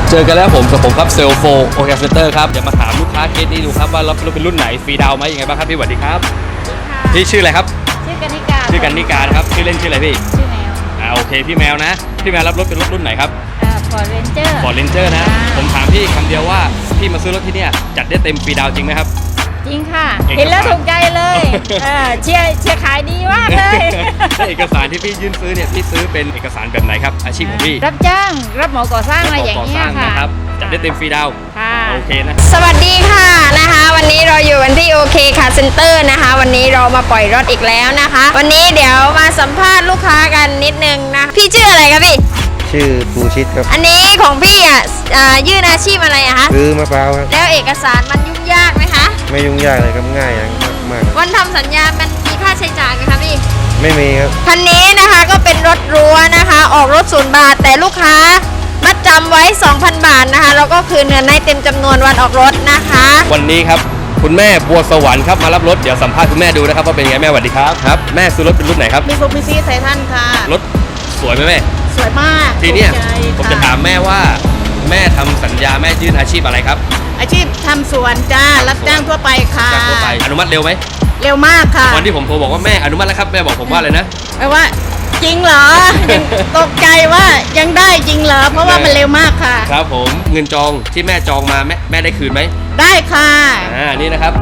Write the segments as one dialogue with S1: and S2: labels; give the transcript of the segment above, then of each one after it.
S1: เจอกันแล้วผมครับเซลโฟโอเคเซนเตอร์ครับจะมาถามลูกค้าเคสนี้ดูครับว่ารถเป็นรุ่นไหนฟรีดาวไหมยังไงบ้างครับพี่สวัสดีครับพี่ชื่ออะไรครับ
S2: ชื่อกันนิกา
S1: นะครับชื่อเล่นชื่ออะไรพี่
S2: ชื่อแมว
S1: โอเคพี่แมวนะพี่แมวรับรถเป็นรถรุ่นไหนครับ
S2: ฟอร์เรนเจอร์
S1: นะผมถามพี่คำเดียวว่าพี่มาซื้อรถที่เนี่ยจัดได้เต็มฟรีดาวจริงไหมครับ
S2: จริงค่ะเห็นแล้วถูกใจเลยเชียร์ขายดีมากเลย
S1: แล้วเอกสารที่พี่ยื่นซื้อเนี่ยพี่ซื้อเป็นเอกสารแบบไหนครับอาชีพของพี่
S2: รับจ้างรับเหมาก่อสร้างอะไรอย่างเงี้ยค่ะ
S1: จัดได้เต็มฟรีดาวโอเคนะ
S3: สวัสดีค่ะนะคะวันนี้เราอยู่กันที่โอเคค่ะเซ็นเตอร์นะคะวันนี้เรามาปล่อยรถอีกแล้วนะคะวันนี้เดี๋ยวมาสัมภาษณ์ลูกค้ากันนิดนึงนะพี่ชื่ออะไรครับพี่
S4: ชื่อปูชิดครับ
S3: อันนี้ของพี่ยื่นอาชีพอะไรอะคะ
S4: ซื้อมะพร้าวครับ
S3: แล้วเอกสารมันยุ่งยากไหมคะ
S4: ไม่ยุ่งยากเลยครับง่ายมาก
S3: วันทำสัญญามันมีค่าใช้จ่ายไหมคะพี่
S4: ไม่มีครับ
S3: คันนี้นะคะก็เป็นรถรั้วนะคะออกรถ0 บาทแต่ลูกค้ามัดจำไว้ 2,000 บาทนะคะแล้วก็คืนเงินให้เต็มจำนวนวันออกรถนะคะ
S1: วันนี้ครับคุณแม่บัวสวรรค์ครับมารับรถเดี๋ยวสัมภาษณ์คุณแม่ดูนะครับว่าเป็นไงแม่สวัสดีครับแม่ซื้อรถเป็นรุ่นไหนครับ
S2: มีซูบิชิไททันค่ะ
S1: รถสวยไหมแม่
S2: สวยมาก
S1: ทีนี้ผมจะถามแม่ว่าแม่ทำสัญญาแม่ยื่นอาชีพอะไรครับ
S2: อาชีพทำสวนจ้ารับจ้างทั่วไปค่ะ
S1: ทั่วไปอนุมัติเร็วไหม
S2: เร็วมากค่ะ
S1: วันที่ผมโทรบอกว่าแม่อนุมัติแล้วครับแม่บอกผมว่าเลยนะ
S2: แปลว่าจริงเหรอยังตกใจว่ายังได้จริงเหรอเพราะว่ามันเร็วมากค่ะ
S1: ครับผมเงินจองที่แม่จองมาแม่ได้คืนไหม
S2: ได้ค่ะ
S1: นี่นะครับ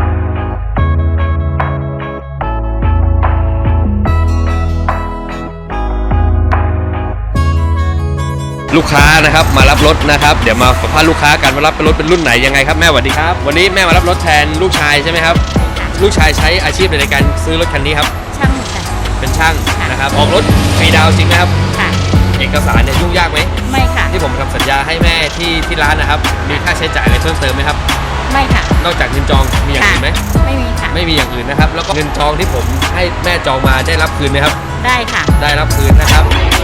S1: ลูกค้านะครับมารับรถนะครับเดี๋ยวมาสัมภาษณ์ลูกค้ากันว่ารับเป็นรถเป็นรุ่นไหนยังไงครับแม่สวัสดีครับวันนี้แม่มารับรถแทนลูกชายใช่ไหมครับลูกชายใช้อาชีพในการซื้อรถคันนี้ครับ
S2: ช่างค่ะ
S1: เป็นช่างนะครับออกรถฟรีดาวจริงไหมครับ
S2: ค่ะ
S1: เอกสารเนี่ยยุ่งยากไหม
S2: ไม่ค่ะ
S1: ที่ผมทำสัญญาให้แม่ที่ร้านนะครับมีค่าใช้จ่ายอะไรเพิ่มเติมไหมครับ
S2: ไม่ค่ะ
S1: นอกจากเงินจองมีอย่างอื่นไหม
S2: ไม่มีค่ะ
S1: ไม่มีอย่างอื่นนะครับแล้วก็เงินจองที่ผมให้แม่จองมาได้รับคืนไหมครับ
S2: ได้ค่ะ
S1: ได้รับคืนนะครับ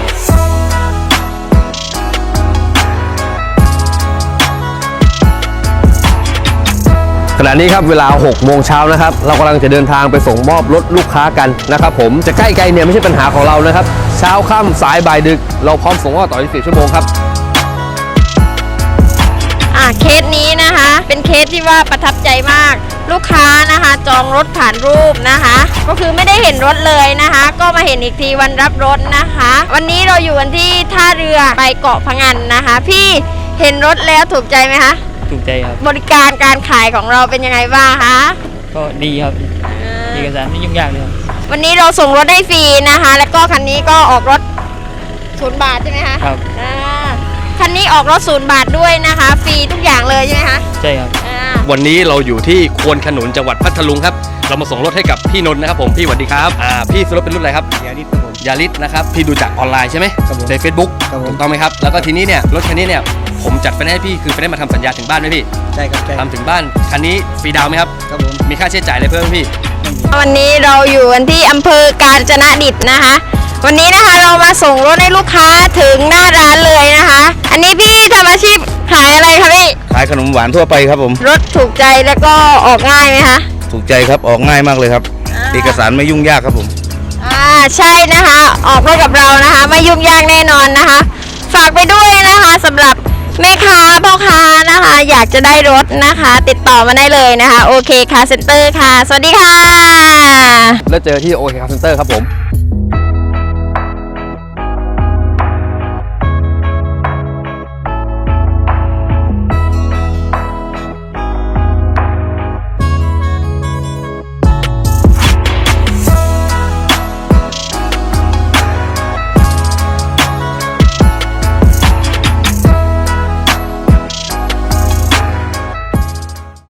S1: ขณะนี้ครับเวลา6 โมงเช้านะครับเรากำลังจะเดินทางไปส่งมอบรถลูกค้ากันนะครับผมจะใกล้ไกลเนี่ยไม่ใช่ปัญหาของเรานะครับเช้าค่ำสายบ่ายดึกเราพร้อมส่งมอบต่อ24 ชั่วโมงครับ
S3: เคสนี้นะคะเป็นเคสที่ว่าประทับใจมากลูกค้านะคะจองรถผ่านรูปนะคะก็คือไม่ได้เห็นรถเลยนะคะก็มาเห็นอีกทีวันรับรถนะคะวันนี้เราอยู่กันที่ท่าเรือไปเกาะพะงันนะคะพี่เห็นรถแล้วถูกใจไหมคะ
S5: ถูกใจครับ
S3: บริการการขายของเราเป็นยังไงบ้างคะ
S5: ก็ดีครับเอกสารไม่ยุ่งยากเลยครับ
S3: วันนี้เราส่งรถให้ฟรีนะคะแล้วก็คันนี้ก็ออกรถ0 บาทใช่ไหมคะ
S5: ครับ
S3: คันนี้ออกรถ0 บาทด้วยนะคะฟรีทุกอย่างเลยใช่ไหมคะ
S5: ใช่ครับ
S1: วันนี้เราอยู่ที่ควนขนุนจังหวัดพัทลุงครับเรามาส่งรถให้กับพี่นนท์นะครับผมพี่สวัสดีครับพี่ซื้อรถเป็นรุ่นอะไรครับ
S4: ยาริสครับผม
S1: ยาริสนะครับพี่ดูจากออนไลน์ใช่ไหมใน Facebook ถูกต้องไหมครับแล้วก็ทีนี้เนี่ยรถคันนี้เนี่ยผมจัดไฟแนนซ์ให้พี่คือไฟแนนซ์มาทำสัญญาถึงบ้านไหมพี่
S4: ใช่ครับ
S1: ทำถึงบ้านคันนี้ฟรีดาวไหมครับ
S4: ครับผม
S1: มีค่าใช้จ่ายอะไรเพิ่มพี่
S3: วันนี้เราอยู่กันที่อำเภอกาญจนดิตนะคะวันนี้นะคะเรามาส่งรถให้ลูกค้าถึงหน้าร้านเลยนะคะอันนี้พี่ทำอาชีพขายอะไรคะพี่
S4: ขายขนมหวานทั่วไปครับผม
S3: รถถูกใจแล้วก็ออกง่ายไหมคะ
S4: ถูกใจครับออกง่ายมากเลยครับเอกสารไม่ยุ่งยากครับผม
S3: ใช่นะคะออกรถกับเรานะคะไม่ยุ่งยากแน่นอนนะคะฝากไปด้วยนะคะสำหรับแม่ค้าพ่อค้านะคะอยากจะได้รถนะคะติดต่อมาได้เลยนะคะโอเคคาร์เซ็นเตอร์ค่ะสวัสดีค่ะ
S1: แล้วเจอที่โอเคคาร์เซ็นเตอร์ครับผม